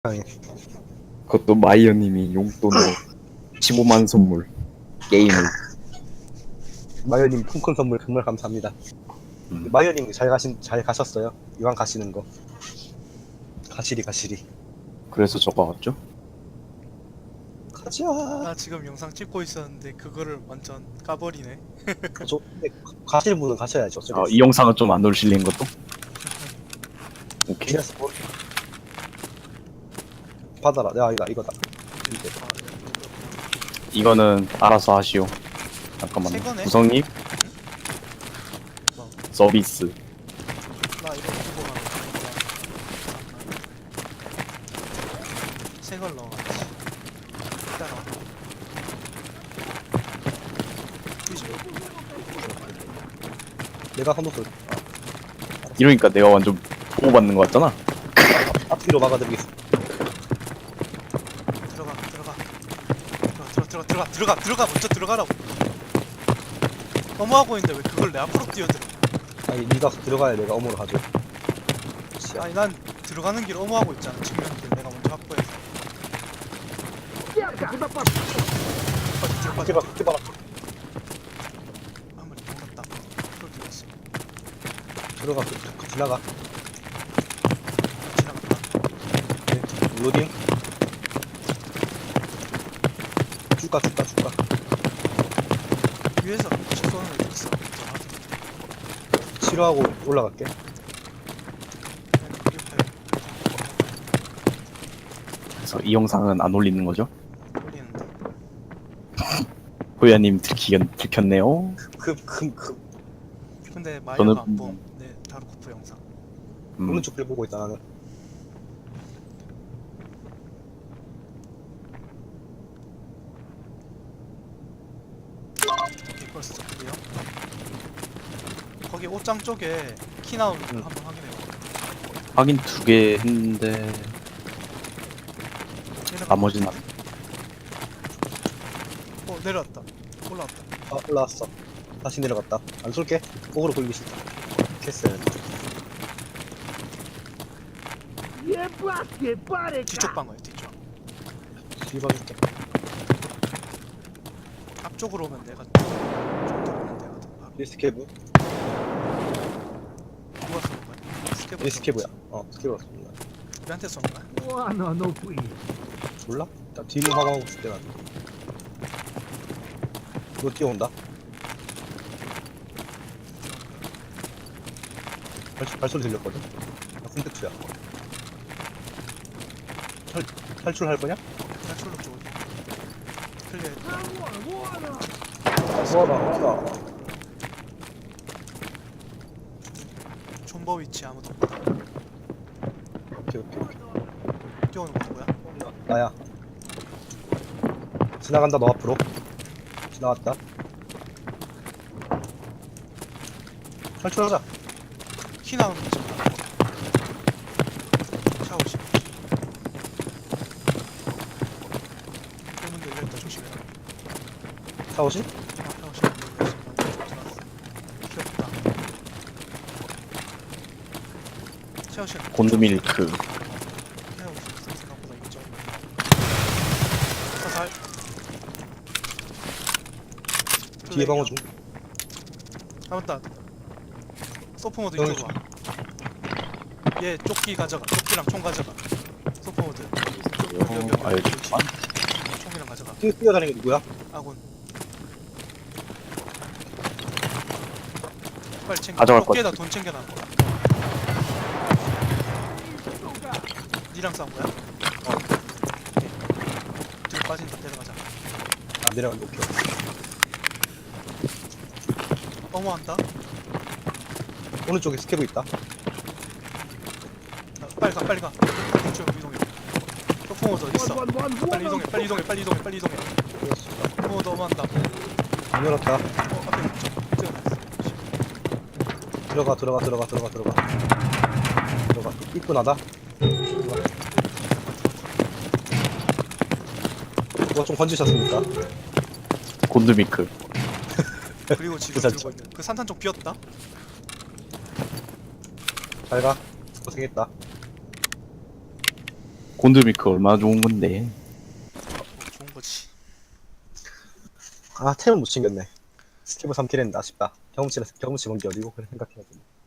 세상에. 그것도 마이어님이 용돈으로 15만 선물 게임을. 마이어님 콩큰 선물 정말 감사합니다. 마이어님 잘 가셨어요? 이왕 가시는 거. 가시리. 그래서 저거 왔죠? 가자. 나 지금 영상 찍고 있었는데 그거를 완전 까버리네. 근데 가실 분은 가셔야죠. 이 영상은 좀 안 올실린 것도? 오케이. 지하스 볼. 받아라. 야 이거다. 이거는 알아서 하시오. 잠깐만요. 새 거네? 구성님 뭐? 서비스. 나 이거 두고 가면 새걸 넣어가지. 따라. 그지? 내가 한번 쏠. 이러니까 내가 완전 보호받는 거 같잖아. 앞뒤로 막아드리겠습니다. 들어가 먼저 들어가라고. 너무하고 있는데 왜 그걸 내 앞으로 뛰어들어? 아니 네가 들어가야 내가 어머로 가죠. 아니 난 들어가는 길 어무하고 있잖아. 측면 길 내가 먼저 확보해서. 그렇게 봐. 아무리 몰랐다. 그걸 들었어. 들어가. 지나가. 지나갔다. 네. 로딩. 쭉가. 위에서 쏘는 애 있어. 치료하고 올라갈게. 옆에 그래서 이 영상은 안 올리는 거죠? 올리는데. 호야님 들켰네요. 근데 저는- 마이어가 안 봄. 네, 다루코프 영상. 오른쪽 길 보고 있다 나는. 오케이, 벌써 드디어. 거기 옷장 쪽에 키 나오는 거 응. 한번 확인해봐. 확인 2개 했는데 나머지는 내려왔다. 올라왔다. 올라왔어. 다시 내려갔다. 안 쏠게. 거꾸로 굴기 싫다. 캐슬. 뒤쪽 방어야 뒤쪽. 뒤봐줄게. 앞쪽으로 오면 내가 좀 들어오는 데거든. 바로. 리스케브. 누가 쏘는 거야? 스케브. 리스케브야. 스케브라 쏜다. 우리한테 쏘는 거야? 몰라? 나 뒤로 화방하고 있을 때가. 너 뛰어온다. 발소리 들렸거든? 나 콘택트야. 탈출할 거냐? 탈출로 쪽으로. 클리어. 모아라. 존버 위치 아무도 없다. 오케이. 뛰어오는 거 누구야? 나야. 지나간다, 너 앞으로. 지나갔다. 탈출하자. 키 나오는 거 지금. 샤워실. 문 열려있다 조심해라. 샤워실? 샤워실 문 열려있어. 들어갔어. 귀엽다. 샤워실. 곤드밀크. 생각보다 이거 사살. 뒤에 방어 중. 맞다. 소프모드 여기 이쪽으로 와. 얘 조끼 가져가. 조끼랑 총 가져가. 소프모드. 여기 총이랑 가져가. 뛰어다니는 게 누구야? 아군. 빨리 챙겨. 가져갈 것 조끼에다 돈 챙겨놔. 니랑 싸운 거야? 뒤로 빠진다. 내려가자. 내려간다. 오케이. 어머한다. 오른쪽에 스케브 있다. 빨리 가. 이쪽 이동해. 소프모드 어디 있어? 빨리 이동해. 소프모드 어머한다. 안 열었다. 앞에 뛰어났어. 들어가. 이쁘나다. 누가 좀 건지셨습니까? 곤드밀크. 그리고 지금 부산쪽. 들고 있는 그 산탄 쪽 비었다. 잘 가. 고생했다. 곤드미크 얼마나 좋은 건데. 좋은 거지. 아 템은 못 챙겼네. 스티브 3킬 했는데 아쉽다. 경험치 본게 어디고 그래 생각해가지고.